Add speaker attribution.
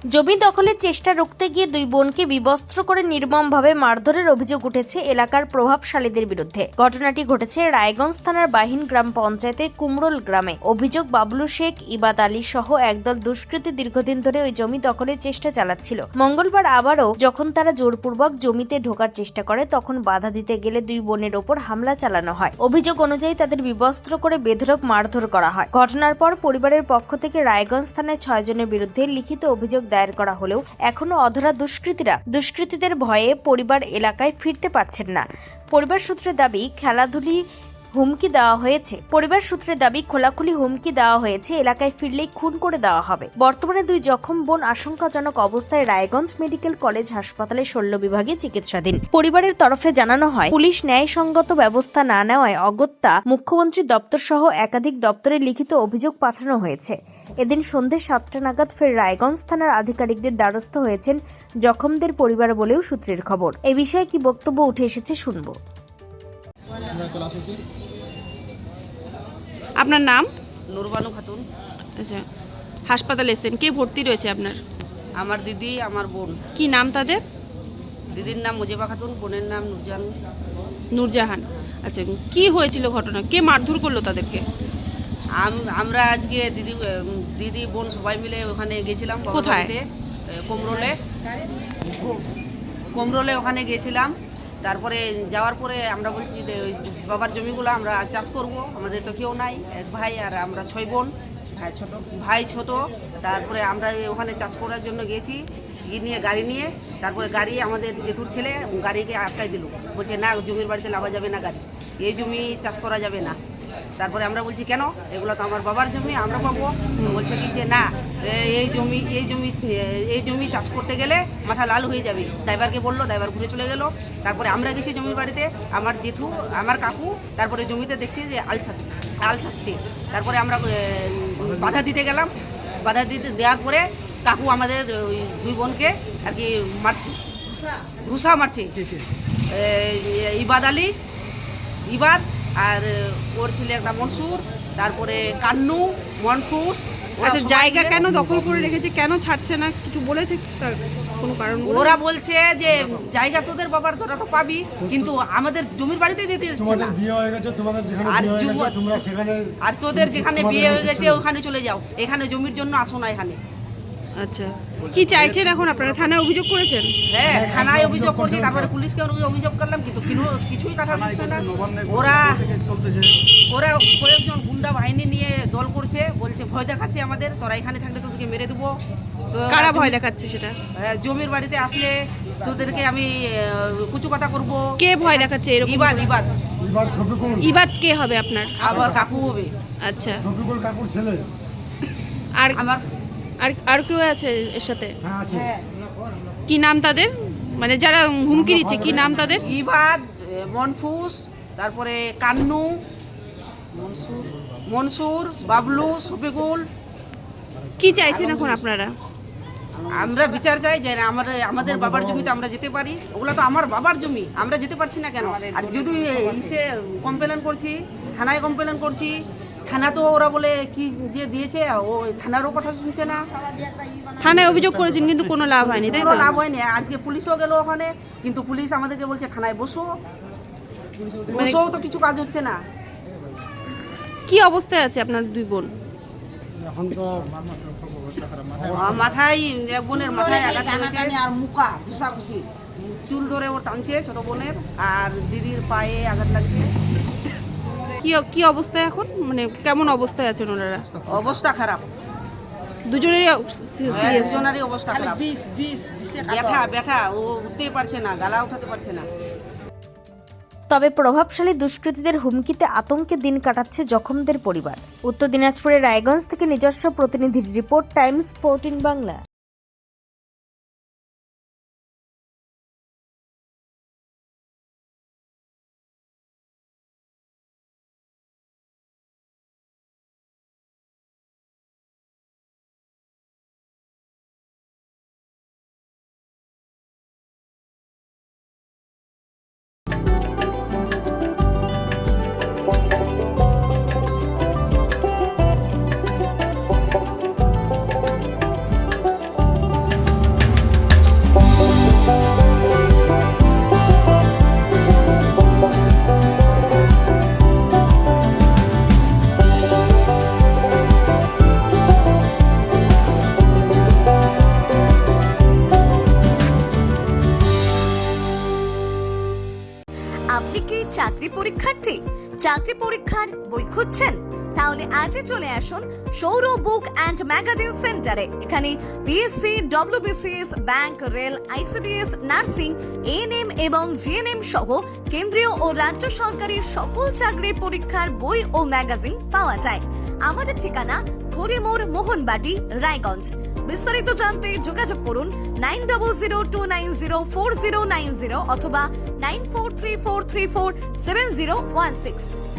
Speaker 1: জমি দখলের চেষ্টা রুখতে গিয়ে দুই বোনকে বিবস্ত্র করে নির্মমভাবে মারধরের অভিযোগ উঠেছে এলাকার প্রভাবশালীদের বিরুদ্ধে। ঘটনাটি ঘটেছে রায়গঞ্জ থানার বাহিন গ্রাম পঞ্চায়েতের কুমরোল গ্রামে। অভিযোগ, বাবলু শেখ, ইবাদ আলী সহ একদল দুষ্কৃতী দীর্ঘদিন ধরে ওই জমি দখলের চেষ্টা চালাচ্ছিল। মঙ্গলবার আবারও যখন তারা জোরপূর্বক জমিতে ঢোকার চেষ্টা করে, তখন বাধা দিতে গেলে দুই বোনের ওপর হামলা চালানো হয়। অভিযোগ অনুযায়ী তাদের বিবস্ত্র করে বেধড়ক মারধর করা হয়। ঘটনার পর পরিবারের পক্ষ থেকে রায়গঞ্জ থানায় 6 জনের বিরুদ্ধে লিখিত অভিযোগ দায়ের করা হলেও এখনো অধরা দুষ্কৃতীদের ভয়ে পরিবার এলাকায় ফিরতে পারছেন না। পরিবার সূত্রে দাবি খোলাখুলি হুমকি দেওয়া হয়েছে, এলাকায় ফিরলেই খুন করে দেওয়া হবে। বর্তমানে দুই জখম বোন আশঙ্কাজনক অবস্থায় রায়গঞ্জ মেডিকেল কলেজ হাসপাতালে শল্য বিভাগে চিকিৎসাধীন। পরিবারের তরফে জানানো হয়, পুলিশ ন্যায়সঙ্গত ব্যবস্থা না নেওয়ায় অগত্যা মুখ্যমন্ত্রী দপ্তর সহ একাধিক দপ্তরে লিখিত অভিযোগ পাঠানো হয়েছে। এদিন সন্ধ্যে 7টা নাগাদ ফের রায়গঞ্জ থানার আধিকারিকদের দ্বারস্থ হয়েছেন জখমদের পরিবার বলেও সূত্রের খবর। এই বিষয়ে কি বক্তব্য উঠে এসেছে শুনবো।
Speaker 2: আপনার নাম?
Speaker 3: নুরবানু খাতুন।
Speaker 2: আচ্ছা, হাসপাতালে এসেছেন, কে ভর্তি রয়েছে আপনার?
Speaker 3: আমার দিদি, আমার বোন।
Speaker 2: কি নাম তাদের?
Speaker 3: দিদির নাম মুজিবা খাতুন, বোনের নাম
Speaker 2: নূরজাহান। আচ্ছা, কি হয়েছিল ঘটনা? কে মারধর করলো তাদেরকে?
Speaker 3: আমরা আজকে দিদি বোন সবাই মিলে ওখানে গেছিলাম।
Speaker 2: কোথায়?
Speaker 3: কোমরোলে ওখানে গেছিলাম। তারপরে যাওয়ার পরে আমরা বলছি যে ওই বাবার জমিগুলো আমরা চাষ করব, আমাদের তো কেউ নাই, এক ভাই আর আমরা 6 বোন, ভাই ছোট। তারপরে আমরা ওখানে চাষ করার জন্য গেছি, গাড়ি নিয়ে। তারপরে গাড়ি আমাদের জেঠুর ছেলে গাড়িকে আটকাই দিল, বলছে না জমির বাড়িতে লাগা যাবে না, গাড়ি এই জমি চাষ করা যাবে না। তারপরে আমরা বলছি কেন, এগুলো তো আমার বাবার জমি, আমরা পাবো। বলছে কি যে না, এই জমি চাষ করতে গেলে মাথা লাল হয়ে যাবে। ড্রাইভারকে বললো, ড্রাইভার ঘুরে চলে গেল। তারপরে আমরা গেছি জমির বাড়িতে, আমার জেঠু, আমার কাকু। তারপরে জমিতে দেখছি যে আল ছাড়ছে। তারপরে আমরা বাধা দিতে গেলাম। বাধা দেওয়ার পরে কাকু আমাদের ওই দুই বোনকে আর কি মারছে, ঘুষা মারছে। ইবাদ আর ওর ছেলে একটা মনসুর, তারপরে কান্নু, মনফুস।
Speaker 2: আচ্ছা, জায়গা কেন দখল করে রেখেছে, কেন ছাড়ছে না, কিছু বলেছে তার কোনো কারণ?
Speaker 3: ওরা বলছে যে জায়গা তোদের বাবার, তোরা তো পাবি, কিন্তু আমাদের জমির বাড়িতে যেতে দিচ্ছে না।
Speaker 4: তোমাদের বিয়ে হয়ে গেছে, তোমাদের যেখানে বিয়ে হয়ে গেছে তোমরা সেখানে,
Speaker 3: আর তোদের যেখানে বিয়ে হয়ে গেছে ওখানে চলে যাও, এখানে জমির জন্য আসো না এখানে।
Speaker 2: আচ্ছা, কি চাইছেন এখন আপনারা? থানায় অভিযোগ করেছেন?
Speaker 3: হ্যাঁ, থানায় অভিযোগ করছি, তারপরে পুলিশকে অভিযোগ করলাম, কিন্তু কিছুই কথা দিচ্ছে না। ওরা কয়েকজন গুন্ডা বাহিনী নিয়ে দল করছে, বলছে ভয় দেখাচ্ছে আমাদের, তোরা এখানে থাকলে তোদেরকে মেরে দেবো।
Speaker 2: কারা ভয় দেখাচ্ছে সেটা?
Speaker 3: জমির বাড়িতে আসলে তোদেরকে আমি কুচু কথা করবো।
Speaker 2: কে ভয় দেখাচ্ছে এরকম?
Speaker 4: ইবাদ
Speaker 2: কে হবে আপনার?
Speaker 3: আবার কাকু হবে।
Speaker 2: আচ্ছা,
Speaker 4: শফিকুল কাকুর ছেলে।
Speaker 2: আর
Speaker 3: আমার
Speaker 2: আর কেউ আছে এর সাথে?
Speaker 4: হ্যাঁ আছে।
Speaker 2: কি নাম তাদের, মানে যারা হুমকি দিচ্ছে, কি নাম তাদের?
Speaker 3: ইবাদ, মনফুস, তারপরে কান্নু, মনসুর, বাবলু, শফিকুল।
Speaker 2: কি চাইছেন এখন আপনারা?
Speaker 3: আমরা বিচার চাই যে আমাদের বাবার জমিতে আমরা যেতে পারি। ওগুলো তো আমার বাবার জমি, আমরা যেতে পারছি না কেন? আর যদি কমপ্লেন করছি, থানায় কমপ্লেন করছি, থানা তো ওরা বলে কি যে দিয়েছে, ও থানারও কথা শুনছে না।
Speaker 2: থানায় অভিযোগ করেছেন কিন্তু কোনো লাভ হয়নি, তাই তো?
Speaker 3: লাভ হয়নি। আজকে পুলিশও গেল ওখানে, কিন্তু পুলিশ আমাদেরকে বলছে থানায় বসো তো কিছু কাজ হচ্ছে না।
Speaker 2: কি অবস্থায় আছে আপনার দুই বোন?
Speaker 4: এখন তো
Speaker 3: মাথায়, এক বোনের মাথায় আঘাত লেগেছে আর মুখা ঘুষাঘুষি, চুল ধরে ও টানছে ছোট বোনের, আর দিদির পায়ে আঘাত লাগছে।
Speaker 2: কি অবস্থায় এখন, মানে কেমন অবস্থায় আছেন ওনারা?
Speaker 3: অবস্থা খারাপ,
Speaker 2: দুজনেরই
Speaker 3: দুজনেরই অবস্থা খারাপ। ব্যথা, ও উঠতেই পারছে না, গালা উঠাতে পারছে না।
Speaker 1: তবে প্রভাবশালী দুষ্কৃতীদের হুমকিতে আতঙ্কে দিন কাটাচ্ছে জখমদের পরিবার। উত্তর দিনাজপুরের রায়গঞ্জ থেকে নিজস্ব প্রতিনিধির রিপোর্ট, টাইমস 14 বাংলা।
Speaker 5: চাকরি পরীক্ষার্থী, চাকরি পরীক্ষার বই খুঁজছেন? তাহলে আজই চলে আসুন সৌর বুক অ্যান্ড ম্যাগাজিন সেন্টারে। এখানে BSc, WBCS, bank, rail, ICDS, nursing, ANM এবং জিএনএম সহ কেন্দ্রীয় ও রাজ্য সরকারের সকল চাকরির পরীক্ষার বই ও ম্যাগাজিন পাওয়া যায়। আমাদের ঠিকানা খড়িমোড়, মোহনবাটি, রায়গঞ্জ। বিস্তারিত জানতে যোগাযোগ করুন 9002904090 অথবা 9434347016।